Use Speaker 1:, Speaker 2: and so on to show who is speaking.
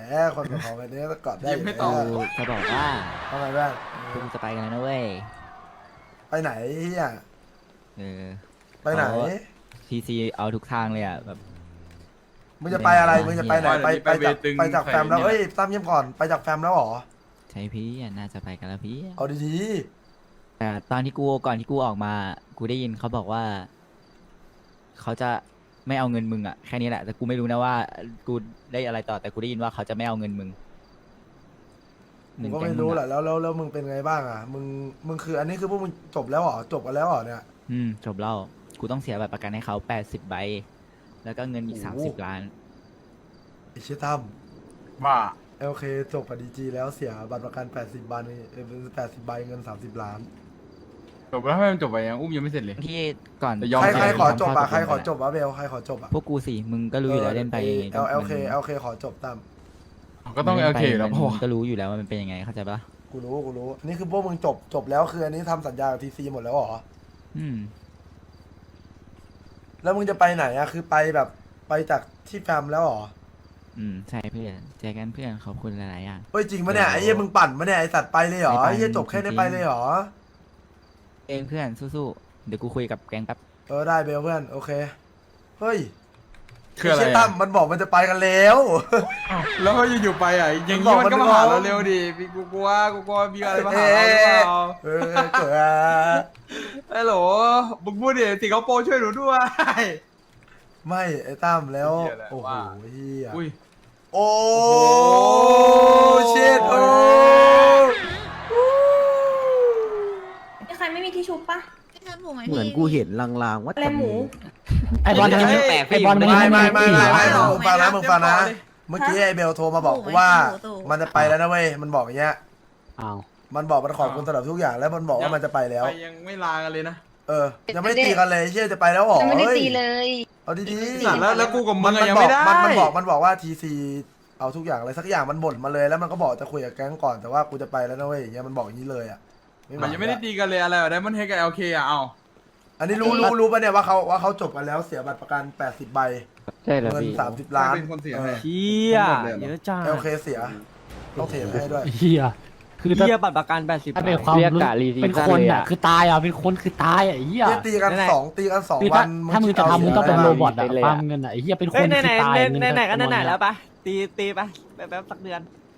Speaker 1: คนกับของแบบนี้ก็กอดได้
Speaker 2: ยิ้มไม่ตอบ
Speaker 3: กูจะบอกว่า
Speaker 1: ทำไมบ้าง
Speaker 3: กูจะไปกันแล้วนะเว้ย
Speaker 1: ไปไหนเฮีย
Speaker 3: เออ
Speaker 1: ไปไหน
Speaker 3: ทีซีเอาทุกทางเลยอ่ะแบบ
Speaker 1: มึงจะไปอะไรมึงจะไปไหนไปจากแฟมแล้วเอ้ยตั้มเยี่ยมก่อนไปจากแฟมแล้วหรอ
Speaker 3: ใช่พี่อ่ะน่าจะไปกันแล้วพี่
Speaker 1: เอาดี
Speaker 3: แต่ตอนที่กูก่อนที่กูออกมา กูได้ยินเขาบอกว่า เขาจะไม่เอาเงินมึงอ่ะแค่นี้แหละแต่กูไม่รู้นะว่า กูได้อะไรต่อแต่กูได้ยินว่าเขาจะไม่เอาเงินมึง
Speaker 1: ๆมึงก็ไม่รู้แหละแล้วมึงเป็นไงบ้างอ่ะมึงคืออันนี้คือพวกมึงจบแล้วหรอจบกันแล้วหรอเนี่ย
Speaker 3: จบแล้วกูต้องเสียบัตรประกันให้เขา80 ใบ แล้วก็เงินอีก30 ล้าน
Speaker 1: ไอ้เชี่ยตั้ม
Speaker 2: ว่า
Speaker 1: โอเคจบกับดีจีแล้วเสียบัตรประกัน80 ใบ80 ใบเงิน30 ล้าน
Speaker 2: จบแล้วทำไมมันจบไปยังอุ้มยังไม่เสร็จเลย
Speaker 3: ที่ก่อน
Speaker 2: แต่ยอม
Speaker 1: ใครขอจบอ่ะ
Speaker 3: ข้
Speaker 1: ใคร
Speaker 3: ตกลง
Speaker 1: ขอจบอ่ะเบลใครขอจบอ่ะ
Speaker 3: พวกกูสิมึงก็รู้อยู่แล้วเล่นไป
Speaker 1: โอเคขอจบตั้ม
Speaker 2: ก็ต้องโอเคแล้ว
Speaker 3: มึ
Speaker 2: พ่อง
Speaker 3: ก็รู้อยู่แล้วว่ามันเป็นยังไงเข้าใจปะ
Speaker 1: กูรู้อันนี้คือพวกมึงจบแล้วคืออันนี้ทำสัญญากับทีซีหมดแล้วหรอ
Speaker 3: อืม
Speaker 1: แล้วมึงจะไปไหนอะคือไปแบบไปจากที่แฟมแล้วหรอ
Speaker 3: ใช่เพื่อนเจอกันเพื่อนขอบคุณหลายๆอย่าง
Speaker 1: เฮ้ยจริงปะเนี่ยไอ้เหี้ยมึงปั่นปะเนี่ยไอ้สัตว์ไปเลยหรอ
Speaker 3: ไม่ไป
Speaker 1: ไอ้เหี้ยจบแค่นี้
Speaker 3: จริงๆ
Speaker 1: ไปเลยหรอ
Speaker 3: เองเพื่อนสู้ๆเดี๋ยวกูคุยกับแก๊งแป๊บ
Speaker 1: ได้เบลเพื่อนโอเคเฮ้ย
Speaker 2: คืออะไร
Speaker 1: ไเชี่ยตั้มมันบอกมันจะไปกันแล้ว
Speaker 2: แล้วก็อยู่ๆไปอ่ะอย่างนี้มันก็มาหาเราเร็วดิพี่กูกลัวมีอะไรมาหาเราหรือเปล่า
Speaker 1: เกิด
Speaker 2: ฮัลโหลมึงพูดดิสิงคโปร์ช่วยหนูด้วย
Speaker 1: ไม่ไอ้ตั้มแล้ว
Speaker 2: เหี้ยแหละ
Speaker 1: โอ้โห
Speaker 2: ว่า
Speaker 1: เฮีย
Speaker 2: อุ้ย
Speaker 1: โอ้
Speaker 2: โอ้
Speaker 1: เชิดโอ้
Speaker 4: มีใครไม่มีที่ชุบปะ
Speaker 5: เหมือนกูเห็นลางๆว่า
Speaker 4: อะไรหมู
Speaker 5: ไอบอล
Speaker 3: เฮ้ย
Speaker 5: แปลกไอบอล
Speaker 1: ไม่
Speaker 5: ไม่
Speaker 1: มึงฟังนะเมื่อกี้ไอ้เบลโทรมาบอกว่ามันจะไปแล้วนะเว้ยมันบอกอย่างเงี้ย
Speaker 5: อ้าว
Speaker 1: มันบอกมันขอบคุณสำหรับทุกอย่างแล้วมันบอกว่ามันจะไปแล้ว
Speaker 2: ไปยังไม่ลากันเลยนะ
Speaker 1: ยังไม่ตีกันเลยเชี่ยจะไปแล้วหรอ
Speaker 4: ยังไม่ได้ตีเลย
Speaker 1: เอาดี
Speaker 2: สัตว์แล้วกูกับมึ
Speaker 1: มั
Speaker 2: ง
Speaker 1: น
Speaker 2: อะยัง
Speaker 1: บอ
Speaker 2: ไม่
Speaker 1: ก
Speaker 2: ได้
Speaker 1: มันบอกว่าทีซีเอาทุกอย่างอะไรสักอย่างมันบ่นมาเลยแล้วมันก็บอกจะคุยกับแก๊งก่อนแต่ว่ากูจะไปแล้วนะเว้ยอย่างเงี้ยมันบอกอย่างนี้เลยอ่ะ
Speaker 2: มันยังไม่ได้ตีกันเลยอะไรได้มันเฮกับ LK อ่ะเอา
Speaker 1: อันนี้รู้ป่ะเนี่ยว่าเขาจบกันแล้วเสียบัตรประกัน80 ใบ
Speaker 5: ใช่แล้ว
Speaker 1: เงิน
Speaker 5: พี่
Speaker 1: 30 ล้าน
Speaker 2: เป็นคนเสียให้
Speaker 5: เฮียเยอะจ้า
Speaker 1: โอเคเสียต้องเทให้ด้วย
Speaker 5: เฮียคือ
Speaker 6: เฮียบัตรประกัน80
Speaker 5: ถ้าเป็นความรู้เป็นคนอ่ะคือตายอ่ะเป็นคนคือตายอ่ะเฮีย
Speaker 1: เนี่ยตีกันสอง
Speaker 5: คือ
Speaker 1: วั
Speaker 5: ถ้าน มึงจะทำมึงต้องเป็นโรบอทอ่ะ
Speaker 1: เา
Speaker 5: ฟาร์มเงินอ่ะเฮียเป็นค
Speaker 6: เฮ้ย
Speaker 5: น
Speaker 6: ไหน
Speaker 5: คือตาย
Speaker 6: ไหนก็ไหนๆแล้วปะตีไปแป๊บสักเดือน